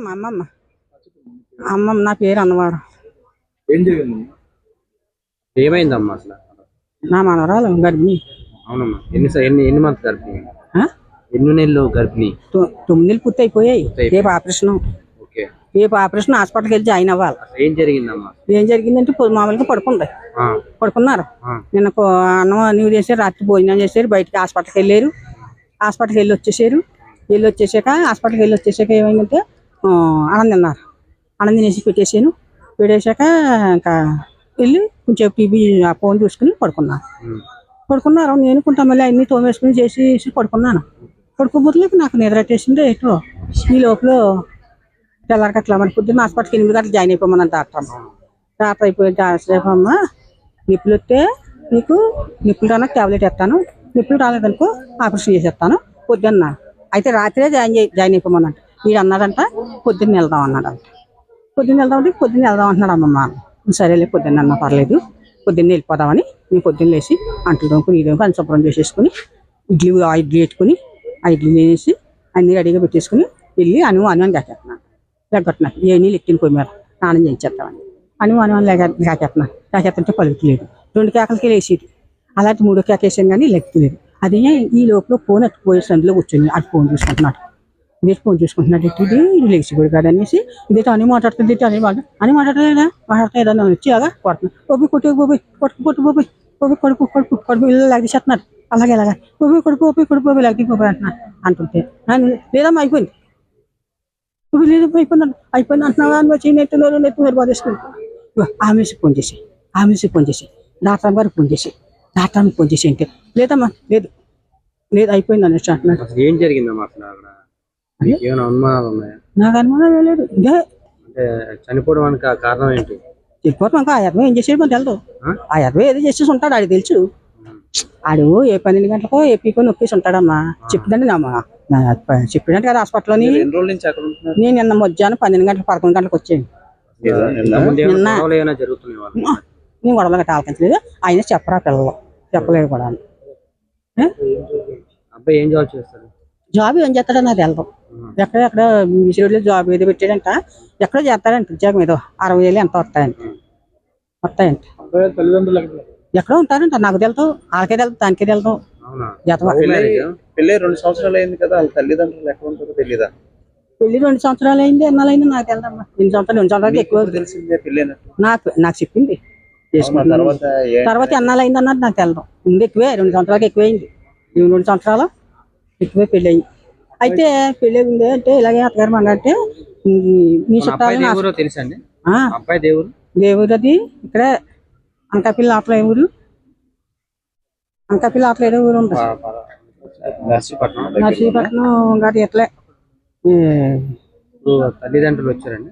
అమ్మమ్మ అమ్మమ్మ నా పేరు అన్నవాడు. ఏం జరిగింది? ఏమైందమ్మా అసలు? నా మనవరాలు గర్భిణి. అవునమ్మా. ఎన్ని మంత్స్ గర్భిణి? ఎన్ని నెలలు గర్భిణి? 9 నెలలు పూర్తి అయిపోయాయి. రేపు ఆపరేషన్. రేపు ఆపరేషన్ హాస్పిటల్కి వెళ్ళి జాయిన్ అవ్వాలి. ఏం జరిగిందమ్మా? ఏం జరిగిందంటే మామూలుగా పడుకున్నారు. నిన్న అన్నం అన్ని చేశారు, రాత్రి భోజనం చేశారు, బయటకి హాస్పిటల్కి వెళ్ళారు. హాస్పిటల్కి వెళ్ళి వచ్చేసాక హాస్పిటల్కి వెళ్ళి వచ్చేసాక ఏమైందంటే అన్నం తిన్నారు. అన్నం తినేసి పెట్టేశాక ఇంకా వెళ్ళి కొంచెం టీవీ ఫోన్ చూసుకుని పడుకున్నారు. నేను కొంత మళ్ళీ అన్ని తోమేసుకుని చేసి పడుకున్నాను. పడుకోబోతులే నాకు నిద్ర వచ్చేసింది. ఎటో ఈ లోపల తెల్లారికి అట్లా మరి పొద్దున్న హాస్పిటల్కి 8 గంటలు జాయిన్ అయిపోమన్నాను డాక్టర్ అయిపోయి అమ్మ నిప్పులు వస్తే నీకు నిప్పులు రానకు ట్యాబ్లెట్ ఇస్తాను, నిప్పులు రాలేదనుకో ఆపరేషన్ చేసేస్తాను పొద్దున్న. అయితే రాత్రే జాయిన్ అయిపోమన్నాడు. వీడు అన్నాడంట పొద్దున్న వెళ్దాం అన్నాడంట. పొద్దున్న వెళ్దాం అంటున్నాడు. అమ్మమ్మ సరేలే పొద్దున్న అన్నా పర్లేదు, పొద్దున్న వెళ్ళిపోదామని నేను పొద్దున్న లేచి అంట్లు దొంకుని అన్ని శుభ్రం చేసేసుకుని ఇడ్లీ పెట్టుకుని ఆ ఇడ్లీ వేసి అన్ని రెడీగా పెట్టేసుకుని వెళ్ళి అని లెగ్గొట్టున్నాను. ఏ నీళ్ళు ఎక్కిన పోయి మీద స్నానం చేయించేస్తామని లేకెత్తుంటే పలుకులేదు. 2 కేకలకి లేచేది. అలాంటి 3వ కేక వేసాను కానీ లెక్కలేదు. అదే ఈ లోపల ఫోన్ పోయే సందులో కూర్చొని అది ఫోన్ చూసుకుంటున్నాడు. ఇది లేచి కూడా కాదు అనేసి ఇదేంటి అని మాట్లాడుతుంది. అని మాట్లాడలేదా వచ్చి అలాగా కొడుతున్నాడు. కొడుకు ఇల్లు లాగేసేస్తున్నాడు. అలాగే కొడుకు లాగి అంటుంటే లేదమ్మా అయిపోయింది అంటున్నావా అని వచ్చి నెత్తున్నారు బాధేసుకుని ఆమెసి ఫోన్ చేసి డాక్టర్ గారికి ఫోన్ చేసి అంటే లేదమ్మా లేదు అయిపోయింది అనేసి అంటున్నాడు. ఏం జరిగిందమ్మా అసలు? నాకు అనుమానం లేదు. ఇదే చనిపోవడానికి కారణం ఏంటి? చనిపోవడం ఆ యత్నం ఏం చేసేది మనకు తెలదు. ఆ యత్నం ఏదో చేసేసి ఉంటాడు. ఆడికి తెలుసు. ఆడు ఏ 12 గంటలకో ఏపీకో నొక్కేసి ఉంటాడమ్మా. చెప్పిందండి చెప్పినట్టు కదా హాస్పిటల్లోని. నేను నిన్న మధ్యాహ్నం 12 గంటలకు 11 గంటలకు వచ్చాను. నేను గొడవలు గట్ట ఆలకించలేదు. ఆయన చెప్పరా పిల్లలు చెప్పలేదు కూడా. అబ్బాయి ఏం జాబ్ చేస్తాడు? జాబ్ ఏం చేస్తాడో నాకు తెలదు. ఎక్కడ విసిరిలో జాబ్ ఏదో పెట్టాడంట. ఎక్కడో చేస్తాడంట ఉద్యోగం ఏదో 60,000 ఎంత వస్తాయంట. ఎక్కడో ఉంటారంట. నాకు తెలుసు, వాళ్ళకే తెలుసు, దానికే తెలుసు. పెళ్లి 2 సంవత్సరాలు అయింది కదా, వాళ్ళ తల్లిదండ్రులు ఎక్కడ ఉంటారో తెలీదా? పెళ్లి 2 సంవత్సరాలు అయింది, ఎన్నాళ్ళైంది నాకు తెలదమ్మా. 2 సంవత్సరాలు ఎక్కువ తెలిసిందే. పెళ్లి నాకు చెప్పింది. తర్వాత ఎన్నాళ్ళైంది అన్నది నాకు తెలదు. ముందు ఎక్కువే 2 సంవత్సరాలకి ఎక్కువైంది. 2 సంవత్సరాలు ఎక్కువే పెళ్ళి అయింది. అయితే పెళ్ళి ఉంది అంటే ఇలాగే అత్తగారు అంటే మీ చుట్టాలు తెలుసండి. దేవుడు అది ఇక్కడ అనకాపల్లి ఆటలో ఏ ఊరు? అనకాపల్లి ఆటలో ఏదో ఊరు ఉంటుంది. నర్సీపట్నం గారి ఎట్లే తల్లిదండ్రులు వచ్చారండి.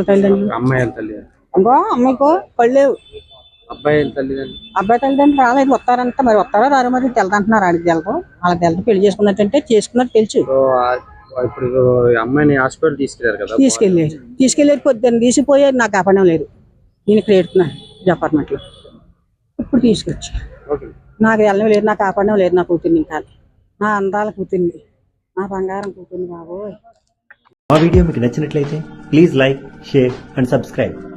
అమ్మాయికో పళ్ళేవు. అబ్బాయి తల్లిదండ్రులు రాలేదు. వస్తారంట. మరి వస్తారో రారో మరి తెలదంటున్నారు. ఆడికి తెలదు. వాళ్ళకి తెలదు. పెళ్లి చేసుకున్నట్టంటే చేసుకున్నట్టు తెలుసు. ఇప్పుడు అమ్మాయిని హాస్పిటల్ తీసుకెళ్లారు కదా? తీసుకెళ్ళారు. పొద్దున్న తీసిపోయారు. నాకు కాపాడడం లేదు. నేను ఇక్కడ ఏడుతున్నాను డిపార్ట్మెంట్ లో. ఇప్పుడు తీసుకొచ్చి నాకు వెళ్ళడం లేదు, నాకు కాపాడడం లేదు. నా కూతుర్ని ఇంకా నా అందాల కూతుర్ని, నా బంగారం కూతుర్ని బాబోయ్. మా వీడియో మీకు నచ్చినట్లయితే please like, share and subscribe.